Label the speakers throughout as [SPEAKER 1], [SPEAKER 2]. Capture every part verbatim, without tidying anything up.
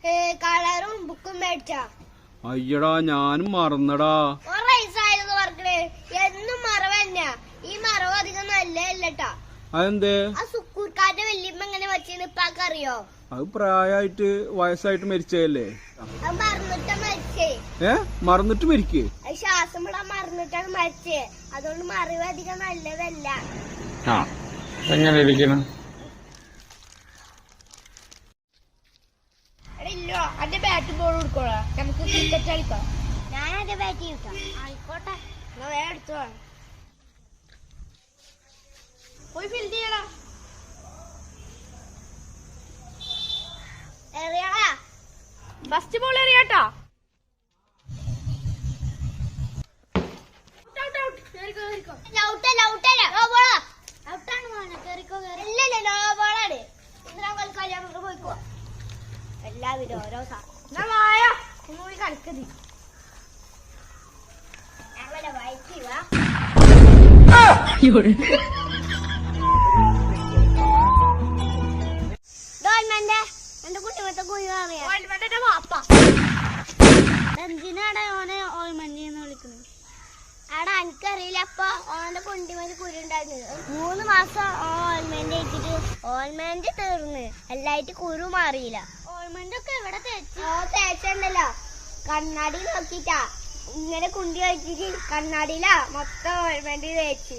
[SPEAKER 1] കളറും ബുക്കും മേടിച്ചാ.
[SPEAKER 2] അയ്യടാ ഞാനും മറന്നടാ.
[SPEAKER 1] വയസ്സായെന്ന് പറഞ്ഞേ എന്നും മറവ് തന്നെയാ. ഈ മറവ് അധികം നല്ലതല്ലട്ടാ.
[SPEAKER 2] അതെന്തേ?
[SPEAKER 1] ആ സുക്കൂർക്കാന്റെ വല്യമ്മ എങ്ങനെ വെച്ചെന്ന് ഇപ്പാക്ക് അറിയോ?
[SPEAKER 2] അത് പ്രായമായിട്ട് വയസ്സായിട്ട് മരിച്ചതല്ലേ?
[SPEAKER 1] അത് മറന്നിട്ടാ മരിച്ചേ.
[SPEAKER 2] ഏ മറന്നിട്ട് മരിക്കേ?
[SPEAKER 1] അത് ശ്വാസം വിടാൻ മറന്നിട്ടാണ് മരിച്ചേ. അതുകൊണ്ട് മറവ് അധികം നല്ലതല്ല.
[SPEAKER 3] എങ്ങനെ ഇരിക്കണം?
[SPEAKER 1] ഇല്ലോ അന്റെ ബാറ്റ് ബോൾ കൊടുക്കോളാ, നമുക്ക് ക്രിക്കറ്റ് കളിക്കാം. ഞാൻ എന്റെ ബാറ്റ് ചെയ്യിക്കാം. ആയിക്കോട്ടെ, വേറെ എടുത്തോ. പോയി ഫീൽഡ് ചെയ്യടാ. എറിയാടാ. ഫസ്റ്റ് ബോൾ എറിയാട്ടോ. എല്ലാവരും ഓരോ സാധനം കളിക്കതി ഞങ്ങളെ വയറ്റുക. എന്റെ കുട്ടിമത്തെ കുഴിമന്റെ വാപ്പ എന്തിനാടാ ഓനെ ഓൾമന്റി എന്ന് വിളിക്കുന്നത്? ആടാ എനിക്കറിയില്ല. അപ്പൊ ഓന്റെ കുണ്ടിമേല് കുരു ഉണ്ടായിരുന്നത് മൂന്ന് മാസം ഓൾമെന്റ് വെച്ചിട്ട് ഓൾമെന്റ് തീർന്ന് എല്ലായിട്ട് കുരു മാറിയില്ല. ഓൾമെന്റ് ഒക്കെ എവിടെ തേച്ച്? ഓ തേച്ചുണ്ടല്ലോ, കണ്ണാടി നോക്കിട്ടാ ഇങ്ങനെ കുണ്ടി വെച്ചിട്ട് കണ്ണാടിയിലാ മൊത്തം ഓൾമെന്റ് തേച്ച്.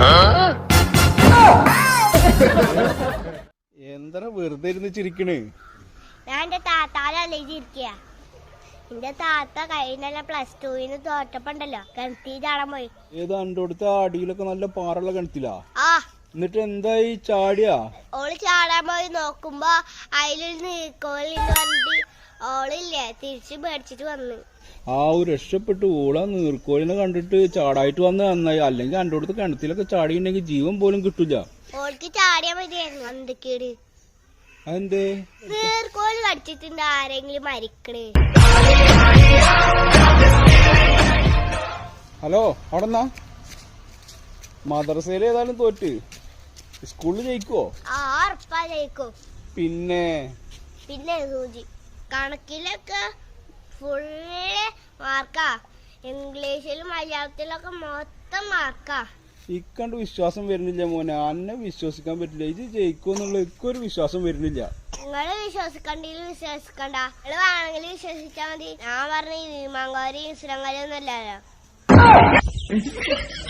[SPEAKER 2] എന്താ വെറുതെ ഇരുന്ന് ചിരിക്കണ്?
[SPEAKER 1] ഞാൻ എന്റെ താത്താലല്ലേ ചിരിക്കുക. എന്റെ താത്ത കഴിഞ്ഞ പ്ലസ് ടുവിന് തോറ്റപ്പുണ്ടല്ലോ കിണറ്റി ചാടാൻ പോയി.
[SPEAKER 2] ഏതാ എന്റെ അടുത്ത അടിയിലൊക്കെ നല്ല പാറുള്ള കിണറ്റിലാ?
[SPEAKER 1] ആ
[SPEAKER 2] എന്നിട്ട് എന്തായി? ചാടിയാ?
[SPEAKER 1] ഓള് ചാടാൻ പോയി നോക്കുമ്പോ അതിലൊരു നീർക്കോലിന്ന് പറഞ്ഞിട്ട് ഓളില്ലേ തിരിച്ച് മേടിച്ചിട്ട് വന്ന്.
[SPEAKER 2] ആ ഒരു രക്ഷപ്പെട്ടു. ഓളാ നീർക്കോലിനെ കണ്ടിട്ട് ചാടായിട്ട് വന്ന് നന്നായി. അല്ലെങ്കിൽ എന്റെ അടുത്ത് കിണറ്റിലൊക്കെ ചാടിയിട്ടുണ്ടെങ്കിൽ ജീവൻ പോലും കിട്ടൂല.
[SPEAKER 1] ഓൾക്ക് ചാടിയാ മതിയായിരുന്നു. എന്തൊക്കെയാണ്
[SPEAKER 2] അതെന്തേ?
[SPEAKER 1] നീർക്കോല് കടിച്ചിട്ടുണ്ട് ആരെങ്കിലും മരിക്കണേ.
[SPEAKER 2] ഹലോ, അവിടെന്നാ മദ്രസയിൽ ഏതായാലും തോറ്റ് സ്കൂളിൽ ജയിക്കുവോ?
[SPEAKER 1] ആ ഉറപ്പാ ജയിക്കും.
[SPEAKER 2] പിന്നെ
[SPEAKER 1] പിന്നെ സൂചി കണക്കിലൊക്കെ ഫുള്ള് മാർക്കാ. ഇംഗ്ലീഷിലും മലയാളത്തിലൊക്കെ മൊത്തം മാർക്കാ.
[SPEAKER 2] ഇക്കണ്ട് വിശ്വാസം വരുന്നില്ല മോനെ. അന്നെ വിശ്വസിക്കാൻ പറ്റില്ല. ഇത് ജയിക്കുമെന്നുള്ള ഇക്കൊരു വിശ്വാസം വരുന്നില്ല.
[SPEAKER 1] നിങ്ങള് വിശ്വസിക്കണ്ടെങ്കിൽ വിശ്വസിക്കണ്ട. നിങ്ങള് വേണമെങ്കിൽ വിശ്വസിച്ചാ മതി. ഞാൻ പറഞ്ഞ ഈ മാങ്കാരി ഇസ്ലാംകാരി ഒന്നും അല്ലല്ലോ.